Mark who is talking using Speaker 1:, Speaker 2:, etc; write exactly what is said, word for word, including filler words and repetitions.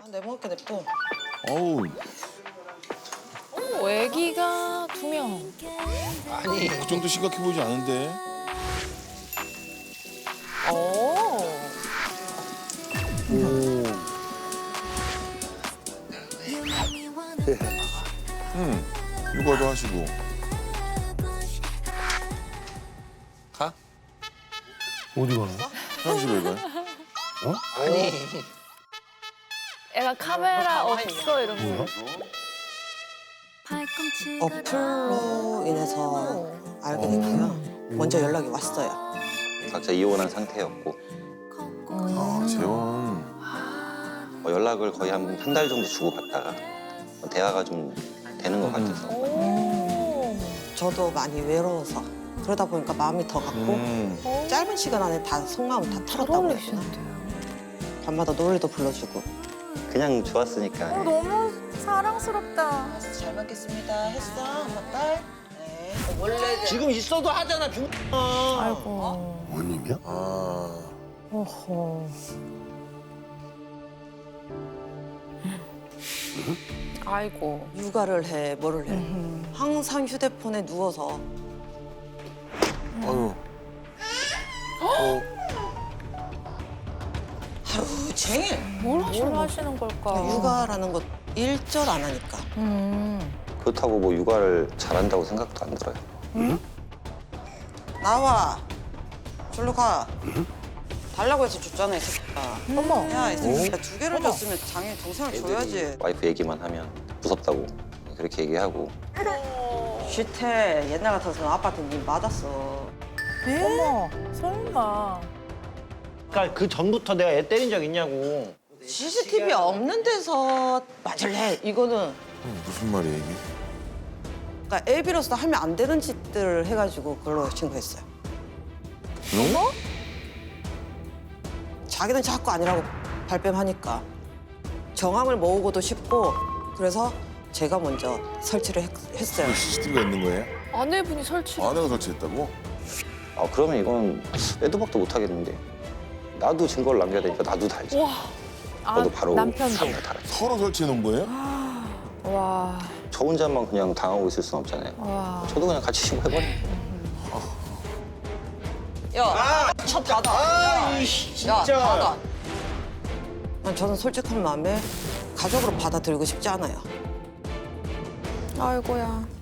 Speaker 1: 내 먹을 게 냅둬.
Speaker 2: 어우,
Speaker 3: 오, 애기가 두 명.
Speaker 4: 아니
Speaker 2: 그 정도 심각해 보이지 않은데.
Speaker 3: 오.
Speaker 2: 오. 음, 육아도 하시고.
Speaker 4: 가?
Speaker 5: 어디 가는 거야?
Speaker 2: 화장실 왜 가요?
Speaker 4: 아니
Speaker 3: 애가 카메라 없어 이런 거.
Speaker 1: 어플로 인해서 알게 됐고요. 먼저 연락이 왔어요.
Speaker 6: 각자 이혼한 상태였고
Speaker 2: 아, 재혼.
Speaker 6: 뭐 연락을 거의 한 한 달 정도 주고받다가 뭐 대화가 좀 되는 것 같아서
Speaker 3: 오.
Speaker 1: 저도 많이 외로워서 그러다 보니까 마음이 더 갔고
Speaker 2: 음.
Speaker 1: 짧은 시간 안에 다 속마음 다
Speaker 3: 잘
Speaker 1: 털었다고 해야 되나?
Speaker 3: 어울리시는데요.
Speaker 1: 밤마다 노래도 불러주고.
Speaker 6: 그냥 좋았으니까
Speaker 3: 어, 너무 사랑스럽다.
Speaker 1: 잘 먹겠습니다. 했어, 엄마 딸. 네. 원래
Speaker 4: 지금 있어도 하잖아 중.
Speaker 3: 아이고.
Speaker 5: 원님이야?
Speaker 2: 아,
Speaker 3: 어허. 아이고.
Speaker 1: 육아를 해, 뭐를 해. 항상 휴대폰에 누워서
Speaker 2: 아유.
Speaker 1: 하루 종일
Speaker 3: 뭘 하시는, 뭘 하시는 걸까?
Speaker 1: 육아라는 것 일절 안 하니까.
Speaker 3: 음.
Speaker 6: 그렇다고 뭐 육아를 잘한다고 생각도 안 들어요.
Speaker 1: 나와. 절로 가. 달라고 해서 줬잖아, 이 새끼야.
Speaker 3: 어머.
Speaker 1: 야, 이 새끼야 두 개를 줬으면 당연히 동생을 줘야지.
Speaker 6: 애들이 와이프 얘기만 하면 무섭다고 그렇게 얘기하고
Speaker 1: 쉿해. 옛날 같아서는 아빠한테 니 맞았어.
Speaker 3: 어머. 설마.
Speaker 4: 그러니까 그 전부터 내가 애 때린 적 있냐고.
Speaker 1: 씨씨티비 없는 데서 맞을래. 이거는
Speaker 2: 음, 무슨 말이야, 이게?
Speaker 1: 그러니까 애비로서 하면 안 되는 짓들을 해가지고 그걸로 신고했어요.
Speaker 2: 응?
Speaker 1: 자기는 자꾸 아니라고 발뺌하니까 정황을 모으고도 싶고 그래서 제가 먼저 설치를 했, 했어요.
Speaker 2: 씨씨티비가 있는 거예요?
Speaker 3: 아내분이 설치.
Speaker 2: 아내가 설치했다고?
Speaker 6: 아 그러면 이건 빼도 박도 못 하겠는데 나도 증거를 남겨야 되니까 나도 달지.
Speaker 3: 와. 아,
Speaker 6: 저도 바로
Speaker 3: 남편도.
Speaker 6: 사람을 달았지.
Speaker 2: 서로 설치해 놓은 거예요?
Speaker 3: 와.
Speaker 6: 저 혼자만 그냥 당하고 있을 순 없잖아요.
Speaker 3: 와.
Speaker 6: 저도 그냥 같이 신고해버려.
Speaker 1: 야, 첫 닫아.
Speaker 4: 아, 이씨,
Speaker 1: 야,
Speaker 4: 진짜.
Speaker 1: 닫아. 난 저는 솔직한 마음에 가족으로 받아들이고 싶지 않아요.
Speaker 3: 아이고야.